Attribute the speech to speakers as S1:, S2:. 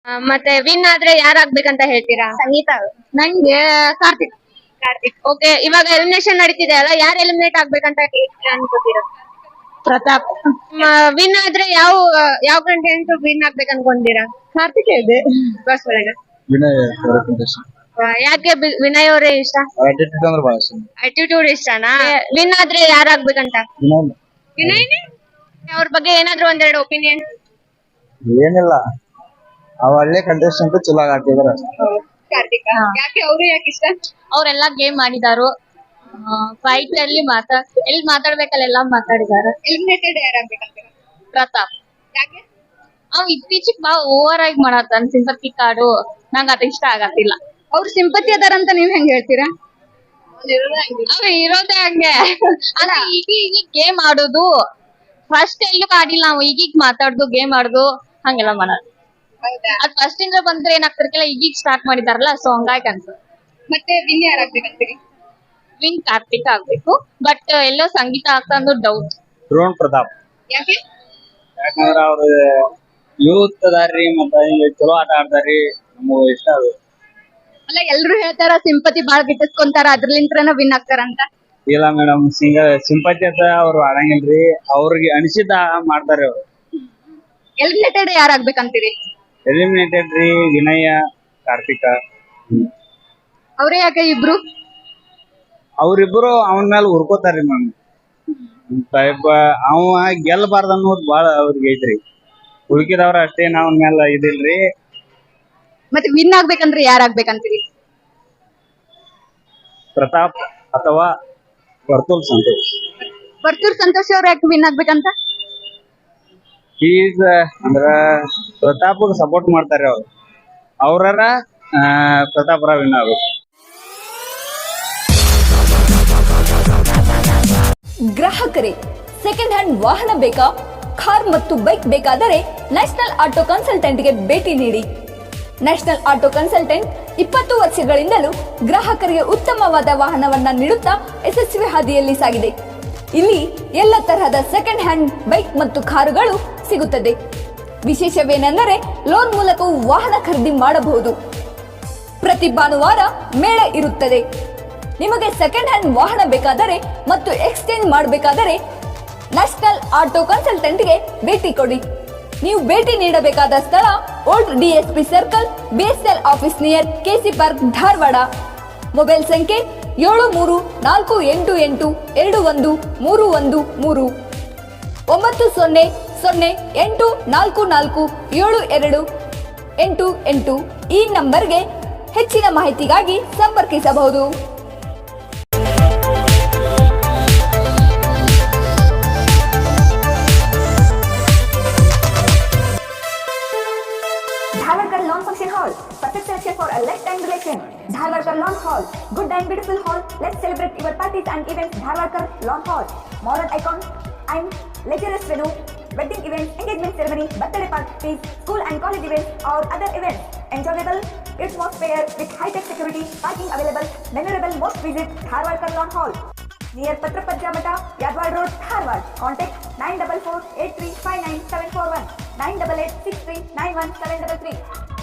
S1: ಮತ್ತೆ ವಿನ್ ಆದ್ರೆ ಯಾರಾಗ್ಬೇಕಂತ ಹೇಳ್ತೀರಾ?
S2: ಸಂಗೀತ.
S1: ನಂಗೆ ಕಾರ್ತಿಕ್. ಕಾರ್ತಿಕ್. ಓಕೆ, ಇವಾಗ ಎಲಿಮಿನೇಷನ್ ನಡೀತಿದೆ ಅಲ್ಲ, ಯಾರು ಎಲಿಮಿನೇಟ್ ಆಗ್ಬೇಕಂತ ಅನ್ಕೋತೀರಾ?
S2: ಪ್ರತಾಪ್.
S1: ವಿನ್ ಆದ್ರೆ ಯಾವ ಕಂಟೆಂಟ್ ವಿನ್ ಆಗ್ಬೇಕು ಅನ್ಕೊಂತೀರಾ?
S2: ಕಾರ್ತಿಕ್ ಇದೆ.
S1: ಬಸ್ ಒಳಗೆ
S3: ವಿನಯ್
S1: ಯಾಕೆ ವಿನಯ್ ಅವರೇ ಇಷ್ಟ?
S3: ಆಟಿಟ್ಯೂಡ್ ಅಂದ್ರೆ ಬಹಳ ಇಷ್ಟ.
S1: ಆಟಿಟ್ಯೂಡ್ ಇಷ್ಟನಾ? ವಿನ್ ಆದ್ರೆ ಯಾರಾಗ್ಬೇಕಂತ? ವಿನಯ್. ಅವ್ರ ಬಗ್ಗೆ ಏನಾದ್ರು ಒಂದೆರಡು ಒಪಿನಿಯನ್.
S3: ಏನಿಲ್ಲ, ಅವ ಹಳ್ಳಿ ಕಂಟೆಸ್ಟೆಂಟ್ ಚಲೋ ಆಡ್ತಿದಾರ.
S1: ಕಾರ್ತಿಕ್. ಯಾಕೆ ಅವರು ಯಾಕೆ ಇಷ್ಟ?
S2: ಅವ್ರೆಲ್ಲಾ ಗೇಮ್ ಆಡಿದಾರು. ಫೈಟ್ ಅಲ್ಲಿ ಎಲ್ಲಿ ಮಾತಾಡ್ಬೇಕಲ್ಲ ಮಾತಾಡಿದಾರೆ.
S1: ಎಲಿಮಿನೇಟೆಡ್ ಯಾರಾಗ್ಬೇಕಂತ?
S2: ಪ್ರತಾಪ್.
S1: ಯಾಕೆ?
S2: ಅವ್ ಇತ್ತೀಚಿಗೆ ಬಾ ಓವರ್ ಆಗಿ ಮಾಡತ್ತಾನ ಸಿಂಪತಿ ಕಾರ್ಡು. ನಂಗ ಅದ ಇಷ್ಟ ಆಗತ್ತಿಲ್ಲ.
S1: ಅವ್ರು ಸಿಂಪತಿ ಅದಾರಂತ ನೀವ್ ಹೆಂಗ್ ಹೇಳ್ತೀರಾ?
S2: ಅವ್ ಇರೋದೇ ಹಂಗೆ. ಅಲ್ಲ ಈಗ ಗೇಮ್ ಆಡೋದು ಫಸ್ಟ್ ಎಲ್ಲೂ ಆಡಿಲ್ಲ ನಾವು. ಈಗೀಗ ಮಾತಾಡ್ದು ಗೇಮ್ ಆಡ್ದು ಹಂಗೆಲ್ಲ ಮಾಡೋದು. ಅದ್ ಫಸ್ಟ್ ಇಂದ ಬಂದ್ರೆ ಏನಾಗ್ತಿರ್ಕಿಲ್ಲ, ಈಗೀಗ ಸ್ಟಾರ್ಟ್ ಮಾಡಿದಾರಲ್ಲ, ಸೊ ಹಂಗಾಗಿ ಅನ್ಸ.
S1: ಮತ್ತೆ ವಿನ್ ಯಾರಾಗ್ಬೇಕಂತೀರಿ?
S2: ವಿನ್ ಕಾರ್ತಿಕ್ ಆಗ್ಬೇಕು, ಬಟ್ ಎಲ್ಲೋ ಸಂಗೀತ ಆಗ್ತಂದು ಡೌಟ್.
S3: ಡ್ರೋನ್ ಪ್ರತಾಪ್.
S1: ಯಾಕೆ?
S3: ಯಾಕಂದ್ರ ಅವ್ರ ಯೂತ್ ಅದಾರ್ರಿ, ಮತ್ತ ಹಿಂಗ ಚಲೋ ಆಟ ಆಡ್ತಾರ್ರಿ, ನಮಗ ಇಷ್ಟ ಅದು.
S1: ಅಲ್ಲ, ಎಲ್ರು ಹೇಳ್ತಾರ ಸಿಂಪತಿ ಬಾಳ್ ಗಿಟ್ಟಿಸ್ಕೊಂತಾರ, ಅದ್ರಲಿಂತ್ರನ ವಿನ್ ಆಗ್ತಾರಂತ.
S3: ಇಲ್ಲ ಮೇಡಮ್, ಸಿಂಪತಿ ಅಂತ ಅವ್ರು ಆಡಂಗಿಲ್ರಿ, ಅವ್ರಿಗೆ ಅನಿಸಿದ ಮಾಡ್ತಾರೆ ಅವ್ರು.
S1: ಎಲಿಮಿನೇಟೆಡ್ ಯಾರಾಗ್ಬೇಕಂತೀರಿ?
S3: ಎಲಿಮಿನೇಟೆಡ್ ರೀ ವಿನಯ, ಕಾರ್ತಿಕ.
S1: ಅವ್ರೇ ಯಾಕೆ ಇಬ್ರು?
S3: ಅವ್ರಿಬ್ರು ಅವನ ಮೇಲೆ ಹುರ್ಕೋತಾರ್ರಿ ಮ್ಯಾಮ್. ಅವ ಗೆಲ್ಲಬಾರ್ದು ಅನ್ನೋದು ಬಾಳ ಅವ್ರಿಗೆ ಐತ್ರಿ. ಉಳ್ಕಿದವ್ರ ಅಷ್ಟೇನ್ ಅವನ ಮೇಲೆ ಇದಿಲ್ರಿ.
S1: ಮತ್ತೆ ವಿನ್ ಆಗ್ಬೇಕಂದ್ರೆ ಯಾರಾಗ್ಬೇಕಂತೀರಿ?
S3: ಪ್ರತಾಪ್ ಅಥವಾ ವರ್ತುಲ್ ಸಂತೋಷ್.
S1: ವರ್ತೂರ್ ಸಂತೋಷ್ ಅವ್ರು ಯಾಕೆ ವಿನ್ ಆಗ್ಬೇಕಂತ?
S3: ಈಸ್ ಅಂದ್ರ ಪ್ರತಾಪ್ಗೆ ಸಪೋರ್ಟ್ ಮಾಡ್ತಾರೆ ಅವ್ರು. ಅವ್ರರ ಪ್ರತಾಪರ ವಿನ್ ಆಗ್ಬೇಕು.
S4: ಗ್ರಾಹಕರೇ, ಸೆಕೆಂಡ್ ಹ್ಯಾಂಡ್ ವಾಹನ ಬೇಕಾ? ಕಾರ್ ಮತ್ತು ಬೈಕ್ ಬೇಕಾದರೆ ನ್ಯಾಷನಲ್ ಆಟೋ ಕನ್ಸಲ್ಟೆಂಟ್ಗೆ ಭೇಟಿ ನೀಡಿ. ನ್ಯಾಷನಲ್ ಆಟೋ ಕನ್ಸಲ್ಟೆಂಟ್ 20 ವರ್ಷಗಳಿಂದಲೂ ಗ್ರಾಹಕರಿಗೆ ಉತ್ತಮವಾದ ವಾಹನವನ್ನ ನೀಡುತ್ತಾ ಯಶಸ್ವಿ ಹಾದಿಯಲ್ಲಿ ಸಾಗಿದೆ. ಇಲ್ಲಿ ಎಲ್ಲ ತರಹದ ಸೆಕೆಂಡ್ ಹ್ಯಾಂಡ್ ಬೈಕ್ ಮತ್ತು ಕಾರುಗಳು ಸಿಗುತ್ತದೆ. ವಿಶೇಷವೇನೆಂದರೆ ಲೋನ್ ಮೂಲಕವೂ ವಾಹನ ಖರೀದಿ ಮಾಡಬಹುದು. ಪ್ರತಿ ಭಾನುವಾರ ಮೇಳ ಇರುತ್ತದೆ. ನಿಮಗೆ ಸೆಕೆಂಡ್ ಹ್ಯಾಂಡ್ ವಾಹನ ಬೇಕಾದರೆ ಮತ್ತು ಎಕ್ಸ್ಚೇಂಜ್ ಮಾಡಬೇಕಾದರೆ ನ್ಯಾಷನಲ್ ಆಟೋ ಕನ್ಸಲ್ಟೆಂಟ್ಗೆ ಭೇಟಿ ಕೊಡಿ. ನೀವು ಭೇಟಿ ನೀಡಬೇಕಾದ ಸ್ಥಳ old DSP circle, BSL office near KC park, Dharwad. Mobile ಸಂಖ್ಯೆ 7348821313 9008447288. ಈ ನಂಬರ್ಗೆ ಹೆಚ್ಚಿನ ಮಾಹಿತಿಗಾಗಿ ಸಂಪರ್ಕಿಸಬಹುದು.
S5: Dharwarkar Lawn Function Hall, perfect selection for a lifetime relation. Dharwarkar Lawn Hall, good and beautiful hall. Let's celebrate your parties and events. Dharwarkar Lawn Hall, modern icon and luxurious venue, wedding events, engagement ceremony, birthday parties, school and college events or other events. Enjoyable atmosphere with high-tech security, parking available, memorable. Most visit Dharwarkar Lawn Hall, near Patrapajja Mata, Yadwad Road, Dharwad. Contact 944-8359-741, 988-6391-733.